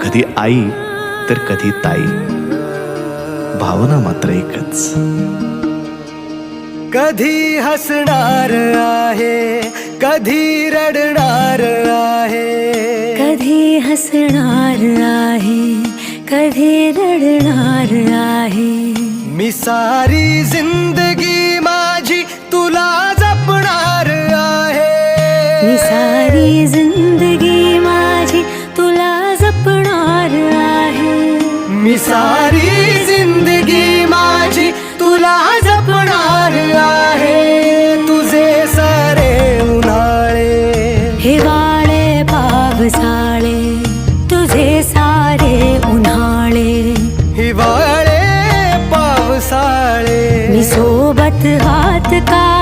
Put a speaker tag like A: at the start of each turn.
A: कधी आई तर कधी ताई, भावना मात्र एकच.
B: कधी हसणार आहे, कधी रडणार आहे,
C: कधी हसणार आहे, कधी रडणार आहे.
B: मी सारी जिंदगी माझी तुला जपणार आहे.
C: मी सारी जिंदगी माझी तुला जपणार आहे.
B: मी सारी जिंदगी माझी तुला जपणार आहे. तुझे सारे उन्हाळे,
C: हिवाळे पावसाळे, तुझे सारे उन्हाळे,
B: हिवाळे पावसाळे,
C: मी सोबत हात का